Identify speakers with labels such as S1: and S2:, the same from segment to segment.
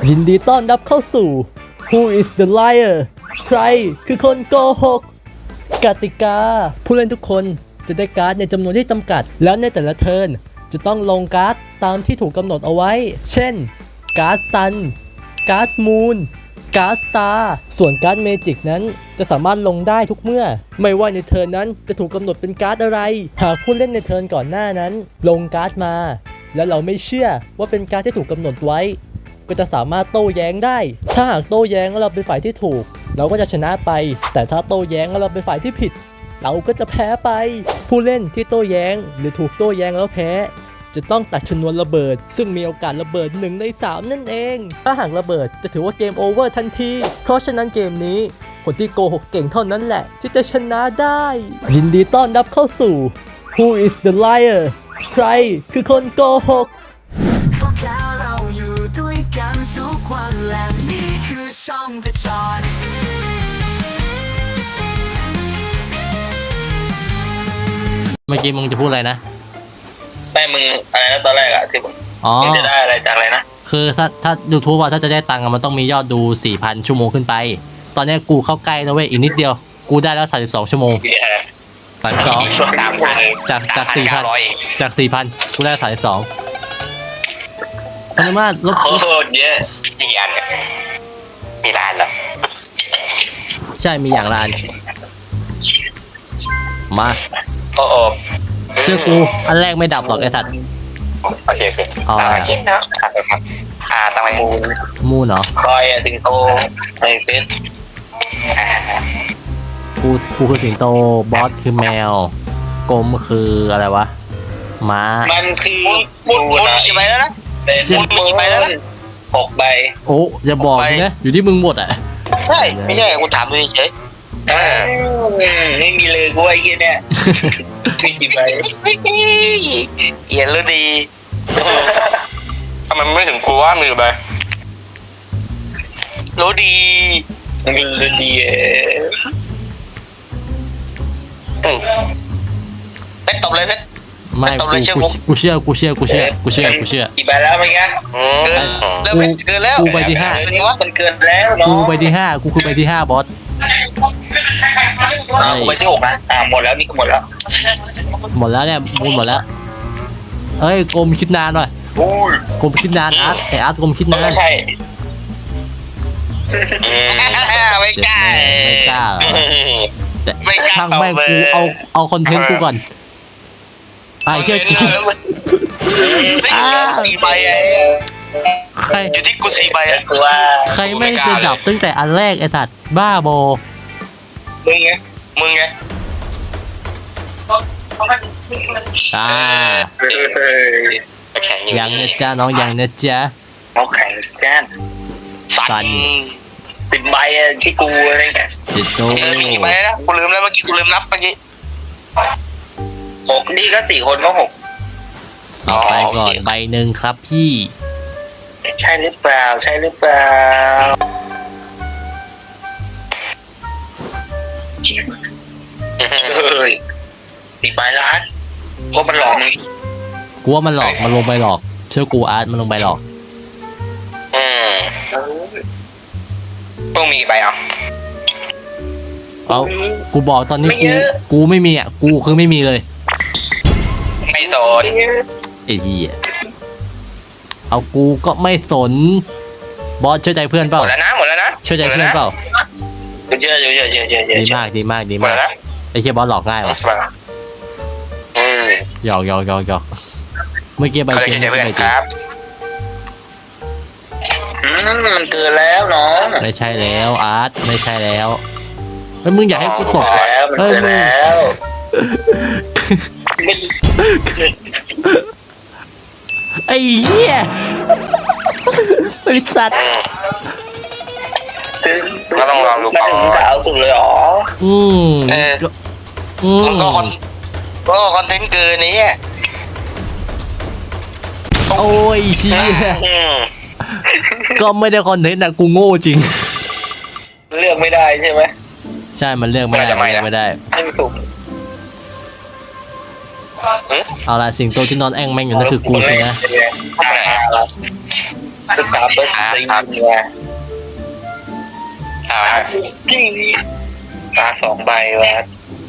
S1: ยินดีต้อนรับเข้าสู่ Who is the liar ใครคือคนโกหกกติกาผู้เล่นทุกคนจะได้การ์ดในจำนวนที่จำกัดแล้วในแต่ละเทิร์นจะต้องลงการ์ดตามที่ถูกกำหนดเอาไว้เช่นการ์ดซันการ์ดมูนการ์ดสตาร์ส่วนการ์ดเมจิกนั้นจะสามารถลงได้ทุกเมื่อไม่ว่าในเทิร์นนั้นจะถูกกำหนดเป็นการ์ดอะไรหากผู้เล่นในเทิร์นก่อนหน้านั้นลงการ์ดมาแล้วเราไม่เชื่อว่าเป็นการ์ดที่ถูกกำหนดไว้ก็จะสามารถโต้แย้งได้ถ้าหากโต้แย้งแล้วเราเป็นฝ่ายที่ถูกเราก็จะชนะไปแต่ถ้าโต้แย้งแล้วเราเป็นฝ่ายที่ผิดเราก็จะแพ้ไปผู้เล่นที่โต้แย้งหรือถูกโต้แย้งแล้วแพ้จะต้องตัดชนวนระเบิดซึ่งมีโอกาสระเบิด1 ใน 3นั่นเองถ้าหากระเบิดจะถือว่าเกมโอเวอร์ทันทีเพราะฉะนั้นเกมนี้คนที่โกหกเก่งเท่านั้นแหละที่จะชนะได้ยินดีต้อนรับเข้าสู่ Who is the liar ใครคือคนโกหก
S2: พวกเราอยู่ด้วยกันทุกวันและนี่คือช่องเพชร
S3: เมื่อกี้มึงจะพูดอะไรนะ
S4: ไม่มึงอะไรนะตอนแรกอะที่มึงจะได้อะไรจากอะไรนะ
S3: คือถ้า YouTube ถ้าจะได้ตังค์มันต้องมียอดดู 4,000 ชั่วโมงขึ้นไปตอนนี้กูเข้าใกล้แล้วเว้ยอีกนิดเดียวกูได้แล้ว32 ชั่วโมง32จาก 4,000 จาก 4,000 กูได้32พนุมาตรลบ
S4: โคตรเยอะกี่อันเนี่ยมีล้านเหรอ
S3: ใช่มีอย่างละอันมา
S4: โอ้โห
S3: เชื่อกูอันแรกไม่ดับหรอกไอ้สัตว์
S4: โอเคอ๋อคิดนะทำไม
S3: มูนเหรอ
S4: คอยสิงโตไม่เป็น
S3: กูคือสิงโตบอสคือแมวกลมคืออะไรวะม้า
S4: มันคือมุดกี่ใบแล้วนะมุดกี่ใบแล้วนะ6 ใบ
S3: โอ้อย่าบอกนะอยู่ที่มึงหมดอ่ะ
S4: ใช่ไม่ใช่กูถามดูเฉยไม่มีเลยกูไอ้เงี้ยเนี่ยมีกี่ใบเอียนแล้วดีทำไมไม่ถึงกูว่ามีกี่ใบรู้ดีรู้ดีเพชรตบเลยเพชร
S3: ไม่กูเชื่อ
S4: กี่ใบแล้วเมื่อกี้
S3: เกินแล้วกูใบที่ 5
S4: มันเกินแล้วเนาะ
S3: กูใบที่ 5กูคือใบที่ 5บอส
S4: กูใบที่ 6นะหมดแล้วนี่ก็หมดแล้ว
S3: เนี่ยมูลหมดแล้วเอ้ยกลมคิดนานหน่อยกลมคิดนานอาร์ตกลมคิดนาน
S4: ไม่ใช่ไม่กล้า
S3: ช่างแม่งกูเอาคอนเทนต์กูก่อนไอ้เชี่ยจริง
S4: 4 ใบ
S3: ใคร
S4: อยู่ที่กู4 ใบ
S3: ใครไม่จะดับตั้งแต่อันแรกไอ้สัตว์บ้าบอ
S4: มึงไง
S3: ยังนะจ๊ะน้องยังนะจ๊ะ
S4: เขาแข่งกันสัน10 ใบที่กูอะไรเงี้ยกี่ใบนะกูลืมแล้วเมื่อกี้กูลืมนับเมื่อกี้6นี่ก็4 คนก็6
S3: ต่อไปก่อนใบหนึ่งครับพี่
S4: ใช่หรือเปล่า4 ใบแล้วฮัทก็มันหลอกมึง
S3: กูว่ามันหลอกมันลงไปหลอกเชื่อกูอาร์ตมันลงไปหลอก
S4: ต้องมีกี่ใบ
S3: เอากูบอกตอนนี้กูไม่มีอ่ะกูคือไม่มีเลย
S4: ไม่สน
S3: ไอ้เหี้ยเอากูก็ไม่สนบอสเชื่อใจเพื่อนเปล่า
S4: หมดแล้วนะ
S3: เชื่อใจเพื่อนเปล่า
S4: เชื่อ
S3: ดีมากไอ้เหี้ยบอสหลอกง่ายวะหยอกเมื่อกี้ใบเกม
S4: ครับมันเกินแล้วน้อง
S3: ไม่ใช่แล้วอาร์ตไม่ใช่แล้วเฮ้ยมึงอยากให้กูตก
S4: เฮ้ยมึง
S3: ไอ้เหี้ยบริษัท
S4: ก็ต้องลองดูก่อนจะเอาสุดเลยหรอก็คอนเทนต์เกินนี้
S3: โอ้ยเหี้ยก็ไม่ได้คอนเทนต์นะกูโง่จริง
S4: เลือกไม่ได้ใช่ไหม
S3: ใช่มันเลือกไม่ได้
S4: ไม่ถูก
S3: เอาล่ะสิ่งโตที่นอนแอ่งแม่งอยู่นั่นคือกูสินะ
S4: ศึกษาเบอร์สี่เนี่ยตาสองใบวะ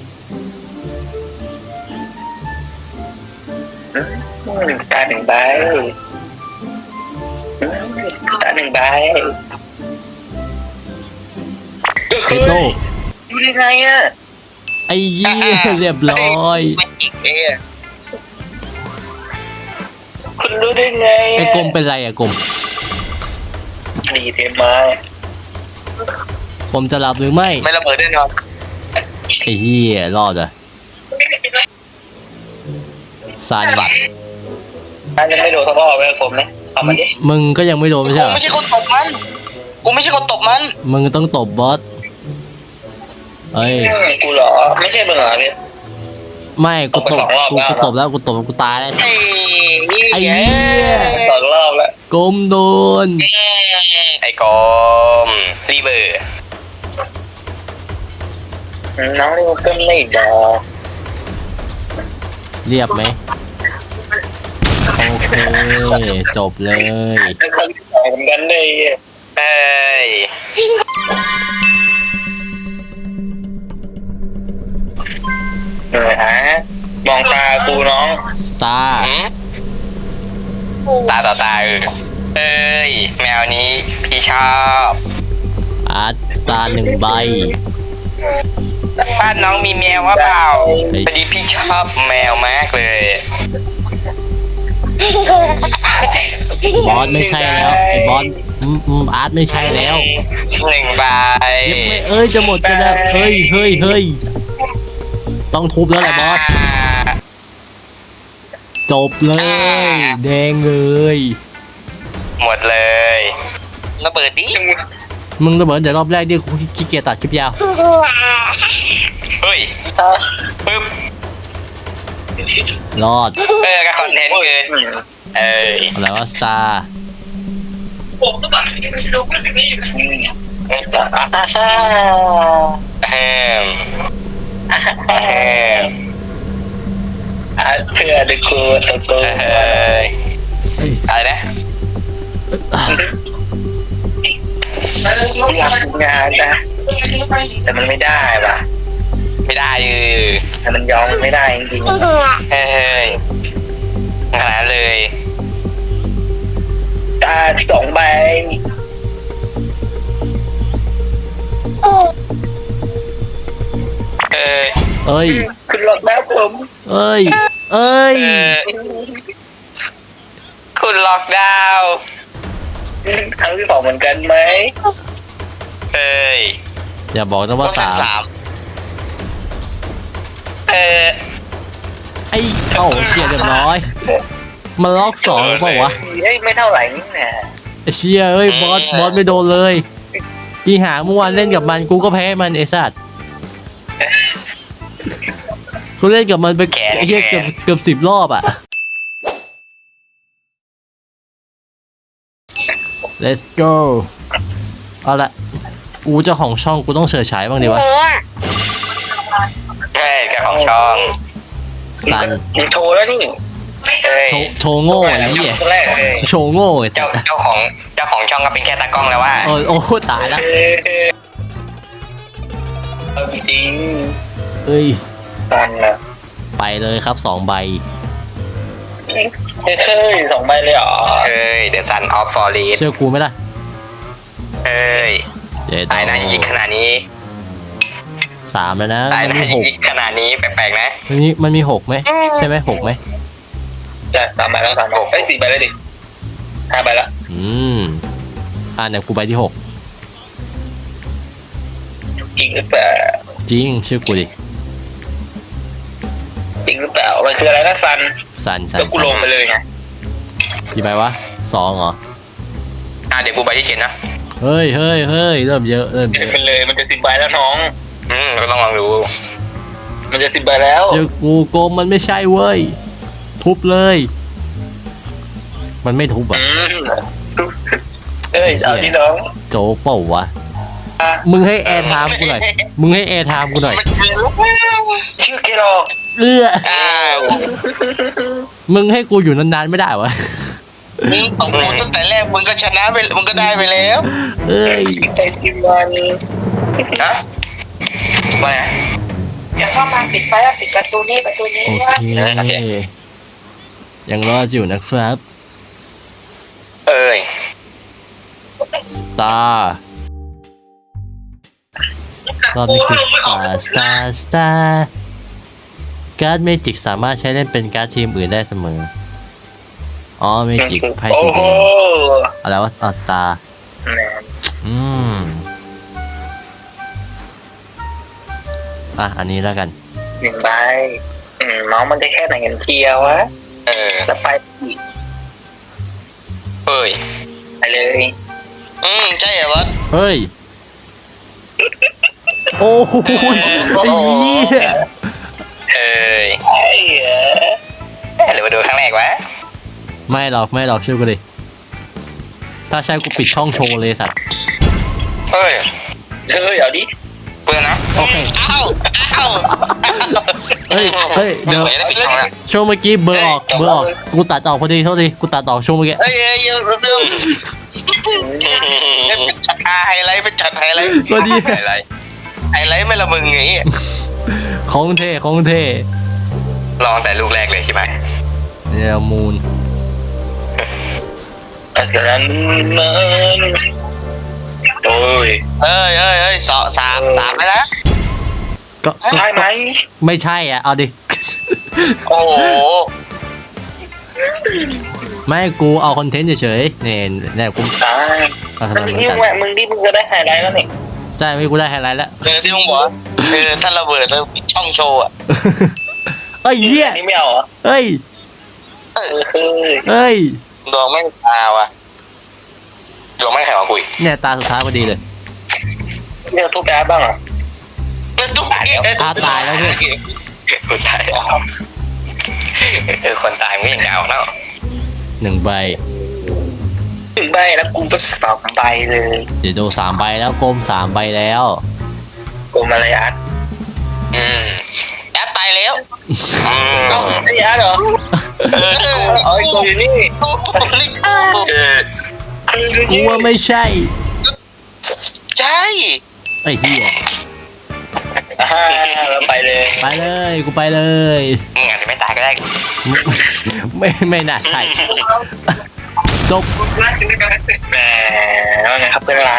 S4: ตาหนึ่งใบตาหนึ่งใบ
S1: เจโต้
S4: ดูได้ไงอ่ะ
S1: ไอ้เหี้ยเรียบร้อย
S4: ไม่จิกเลยอ่ะคุณรู้ได้ไง
S1: ไอ้กลมเป็นไรอะกลม
S4: ดีเทมมา
S1: ผมจะหลับหรือไม่
S4: ไม่ระเบิดแน่นอน
S1: ไอ้เหี้ยรอดอ่ะซานบัตร
S4: อันยังไม่โดนทะเลาะไปกับผมนะทำมันดิ
S1: มึงก็ยังไม่โดนไม่ใช่
S4: กู
S1: เหรอ
S4: ไม่ใช่คนตบมันกูไม่ใช่คนตบมัน
S1: มึงต้องตบบอสเอ้ย
S4: กูเหรอไม่ใช่มึงเหรอพี่
S1: ไม่กูตบ
S4: ตบไปสองรอบ
S1: กู
S4: แล้ว
S1: ตบแล้วกูตายแล้ว
S4: ไอ้
S1: เหี้ย
S4: สองรอบแล้ว
S1: กลมโดน
S4: ไอ้กอมรีเบอร์น้องนี่ก็ไม่บอก
S1: เรียบไหมโอเคจบเลย
S4: เป็นคนที่สองเหมือนกันเลยเอ้ยฮะมองตากูน้อง
S1: สตาร์
S4: ตาต่อตาเอ้ยแมวนี้พี่ชอบ
S1: อาร์ตสตาร์หนึ่งใบ
S4: บ้านน้องมีแมวว่าเปล่า
S1: เฮ้ย
S4: พอดีพี่ชอบแมวมากเลย
S1: บอสไม่ใช่แล้วไอ้บอสอาร์ตไม่ใช่แล้ว
S4: หนึ่งใบ
S1: ยังไม่เอ้ยจะหมดกันแล้วเฮ้ยต้องทุบแล้วแหละบอสจบเลยแดงเลย
S4: หมดเลยระเบิดดิ
S1: มึงระเบิดแต่รอบแรกดิกูขี้เกียจตัดคลิปยาว
S4: เฮ้ยปึ๊บ
S1: รอด
S4: ก็คอนเทนต์เกินเอ้ย
S1: อะไรวะสตาร์
S4: แฮมเพื่อดึกคูตัวอะไรนะอยากทำงานนะแต่มันไม่ได้ป่ะไม่ได้แต่มันยอมไม่ได้จริงๆเฮ้ยขนาดเลยตาสองใบ
S1: เอ้ย
S4: คุณหลอกแล้วผม
S1: เอ้ย
S4: คุณล็อกดาวน์ครั้งที่สองเหมือนกันไหมเอ้ย
S1: อย่าบอกนะว่าสาม
S4: ไอ้
S1: ไอ้เอ้าเชียเรียบร้อยมาล็อกสองเปล่าวะ
S4: เฮ้ยไม่เท่าไหร่นี่นะ
S1: ไอ้เชียเอ้ยบอสไม่โดนเลยอีหาเมื่อวานเล่นกับมันกูก็แพ้มันไอ้สัตว์กูเล่นกับมันไปไอ้เหี้ยเกือบ10 รอบอ่ะ let's go เอาละกูเจ้าของช่องกูต้องเฉิดฉายบ้างดีวะ
S4: ใช่แกของช่อง
S1: สัน
S4: ยังโชว์แล้วนี่
S1: โชว์โง่ไอ้เหี้ย
S4: แรกเลย
S1: โชว์โง่ไอ้
S4: เจ้าของช่องก็เป็นแค่ตากล้องแล้วว่า
S1: โอ้ตายละ
S4: จริง
S1: เอ้ย
S4: ตันนะ
S1: ไปเลยครับ2 ใบ
S4: เฮ้ยสองใบเลยเหรอเฮ้ย The Sun of Forest
S1: เชื่อกูไหมล่ะ
S4: เฮ้ย
S1: เดี๋ยว
S4: ตายนะยิงขนาดนี้
S1: 3แล้วนะ
S4: ตาย
S1: มัน
S4: นะ
S1: มี
S4: ยิงขนาดนี้แปลกๆนะ
S1: มันมี6ไหมใช่ไหม6ไหม
S4: จะ3 ใบแล้ว3 ใบเอ้ย4 ใบแล้วดิ5 ใบแล้ว
S1: เนี่ยกูใบที่ 6
S4: จริงหรือเปล่า
S1: จริงเชื่อกูดิ
S4: จริงหรือเปล่ามันคืออะไรนะซัน
S1: สัน
S4: แล้วกูลงไปเลยไง
S1: กี่ใบวะ2เหรอ
S4: เดี๋ยวกูใบที่7นะ
S1: เฮ้ยเริ่มเยอะ
S4: เป็นเลยมันจะ10 ใบแล้วน้องก็ต้องลองดูมันจะ10 ใบแล้ว
S1: เชื่อกูโกมมันไม่ใช่เว้ยทุบเลย มันไม่ทุบอ่ะ
S4: เอ้ยเอาที่น้อง
S1: โจ๊กเปล่าวะมึงให้แอร์ไทม์กูหน่อย
S4: ชื่อเกลอก
S1: มึงให้กูอยู่นานๆไม่ได้วะ
S4: มึงของกูตั้งแต่แรกมึงก็ชนะไปมึงก็ได้ไปแล้ว
S3: เอ้ย
S4: ใจทีมมันฮะว่าไง
S5: เดี๋ยวเข้ามาปิดไฟแล้วปิดประตูนี้
S3: โอเค
S5: ว่า
S3: ยังรอดอยู่นะครับ
S4: เอ้ย
S3: สตาร์รอบนี้คือสตาร์การ์ดเมจิกสามารถใช้เล่นเป็นการ์ดทีมอื่นได้เสมอ อ๋อเมจิกไพ่สีแดงอะไรวะสตาร์อืมอันนี้แล้วกัน
S4: หนึ่งใบน้องมันจะแค่ไหนกันเชียววะแล้วไปเอ้ยไปเลยใช่เหรอวะ
S3: เฮ้ย โอ้โหไอ้เหี้ย
S4: เหรือมาดูครั้งแรกวะ
S3: ไม่หรอกเชื่อกูดิถ้าใช่กูปิดช่องโชว์เลยสัตว์
S4: เฮ้ยเอาดิเปิดนะ
S3: โอเค
S4: เอ้า
S3: เฮ้ยเดี๋ยวช่วงเมื่อกี้เบอร์ออกกูตัดออกพอดีเท่าทีกูตัดออกช่วงเมื่อกี้
S4: เฮ้ยจัดไฮไลท์ไปจัดไฮไลท์
S3: พอดี
S4: ไฮไลท์ไม่ละมึงไง
S3: ของเท่
S4: ลองแต่ลูกแรกเลยใช่ไหม
S3: เนี่ยมูน
S4: อาจารย์มันโอ้ยเฮ้ยสามไปแล้ว
S3: ก็
S4: ใช่ไหม
S3: ไม่ใช่อ่ะเอาดิ
S4: โอ้โห
S3: ไม่กูเอาคอนเทนต์เฉยๆเนี่ยกูเอาทำไมเหมือนกัน
S4: มึงก็ได้ไฮไลท์แล้วนี่
S3: ใช่ไม่กูได้ไฮไลท์แล้ว
S4: ที่มึงบอกถ้าระเบิดแล้วปิดช่องโชว์อ่ะ
S3: เอ้ยเหี้ย
S4: นี่ไม่เอาอ่ะ
S3: เอ้ย
S4: ดวงไม่ตาว่ะดวงไม่แข็งมาคุย
S3: เนี่ยตาสุดท้ายพอดีเลย
S4: เรื่องทุกข์บ้างอ่ะทุกข์
S3: ตายแล้วใช่ไหม
S4: คนตายคนตายไม่ยังยาวแล้ว
S3: 1 ใบ
S4: 1 ใบแล้วกูก็2 ใบเลย
S3: เดี๋ยวดู3 ใบแล้วกลม3 ใบแล้ว
S4: กูมาเลยอัดอัดตายแล้วไอ้อัดเหรอกูอยู่นี่
S3: กูว่าไม่ใช่
S4: ใช่
S3: ไอ้เหี้ย
S4: เราไปเลย
S3: กูไปเลย
S4: อาจจะไม่ตายก็ได้
S3: ไม่น่าใช่จบ
S4: แหมว่าไงครับเพื่อนร้าน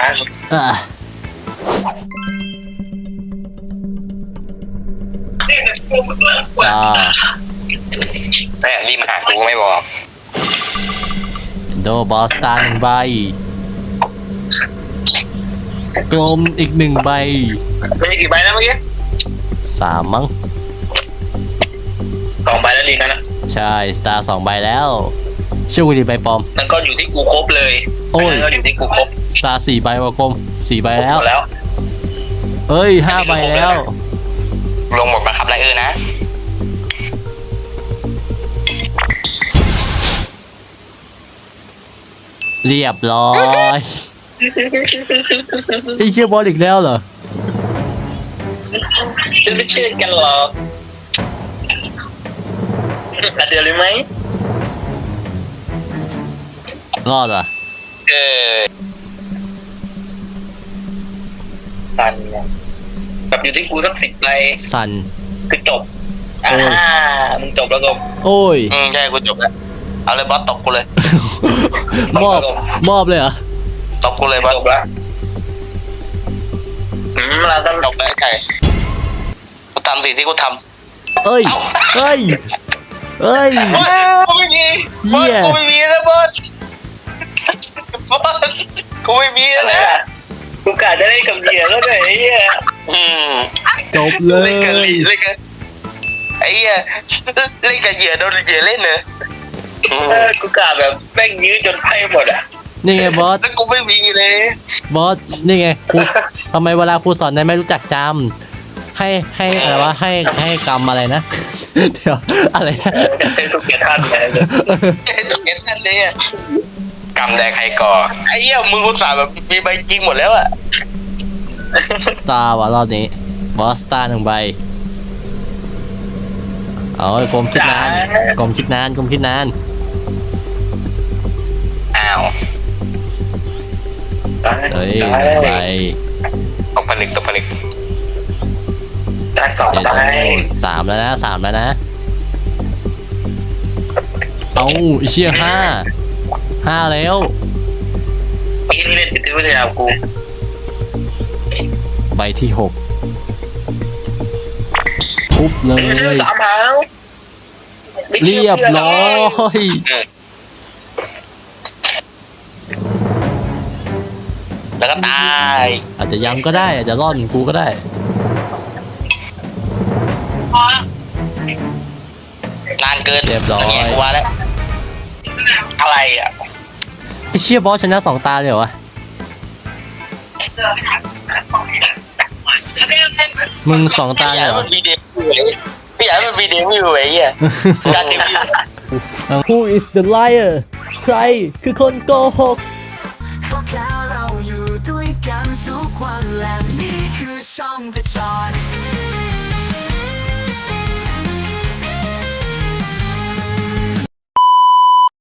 S4: แม่รีบมาหากูไม่บอก
S3: โดบอสตา1 ใบกลมอีก1 ใบ
S4: ไม่กี่ใบนะเมื่อกี้
S3: 3 มั้ง
S4: 2 ใบแล้วดีนะ
S3: ใช่สตาร์2 ใบแล้วชื่อกูดีใบปลอม
S4: นั่นก็อยู่ที่กูครบเลย
S3: โอ้ย
S4: นั่นก็อยู่ที่กูครบ
S3: สตาร์4 ใบว่ากลม4 ใบแล้ว
S4: หมดแล้ว
S3: เอ้ย5 ใบแล้ว
S4: ลงหมดมาครับไรนะ
S3: เรียบร้อยไอ้เชี่ยบอลอีกแล้วเหรอ
S4: ฉันไม่เชื่อกันหรอกเดี๋ยวเลยไหม
S3: รอดอ่ะ
S4: สันกับอยู่ที่กูสัก10 ใบ
S3: สัน
S4: คือจบ
S3: โอ้ย
S4: มึงจบแล้วก็
S3: โอ้ย
S4: ใช่กูจบแล้วเอาเลยบอสตบกูเลย
S3: มอบเลยเหรอ
S4: ตบกูเลยบอสจบแล้วเราต้องจบแล้วใช่กูทำสิ่งที่กูทำ
S3: เอ้ยกูไม่มี
S4: บอสกูไม่มีนะบอสกูไม่มีนะกูกะจะเล่นกับเหยื่อแล้วเลยไอ้เหี้ย
S3: จบเลย
S4: เล่นกับไอ้เหี้ยเล่นกับเหยื่อโดนเหยื่อเล่นเนอะกูกะแบบแม่งยื้อจนไพ่หมดอ่ะ
S3: นี่ไงบอส
S4: แล้วกูไม่มีเลย
S3: บอสนี่ไงครูทำไมเวลาครูสอนนายไม่รู้จักจำให้อะไรวะให้กรรมอะไรนะ เดี๋ยวอะไรนะ
S4: ให้ทุกเกียรติท่านไงให้ทุกเกียรติท่านเลยอ่ะกรรมแดงใครก่อไอ้เหี้ยมึงอุตส่าห์แบบมีใบจริงหมดแล้วอ่ะ
S3: สตาร์ว่ะรอบนี้บอสสตาร์1 ใบเอากลมคิดนาน
S4: าว
S3: เฮ้ยไป
S4: ตกผลึก
S5: ได้สอง
S3: เดี๋ยว
S5: ได้
S3: สามแล้วนะเอาไอ้เชี่ยห้าแล้ว
S4: นี่เล่นจิตวิทยากู
S3: ใบที่6ทุบเลย
S5: สามหาง
S3: เรียบร้อย
S4: แล้วก็ตาย
S3: อาจจะยังก็ได้อาจจะรอดเหมือนกูก็ได้
S4: นานเกิน
S3: เรียบร้อย
S4: แง่กูว่าแล้วอะไรอ่ะ
S3: ไอ้เชี่ยบอสชนะ2 ตาเลยเหรอวะมึง2 ตา
S4: อ
S3: เล
S4: ยาย ก
S3: เหรอ
S4: มันมีเดบิวต์ไม่อยากมันมีเดบิวต์ไอ้เหี้ยการเดบิวต์
S1: Who is the liar ใครคือคนโกหก
S2: ก็แค่เราอยู่ด้วยกันทุกวันและนี่คือช่องผจญ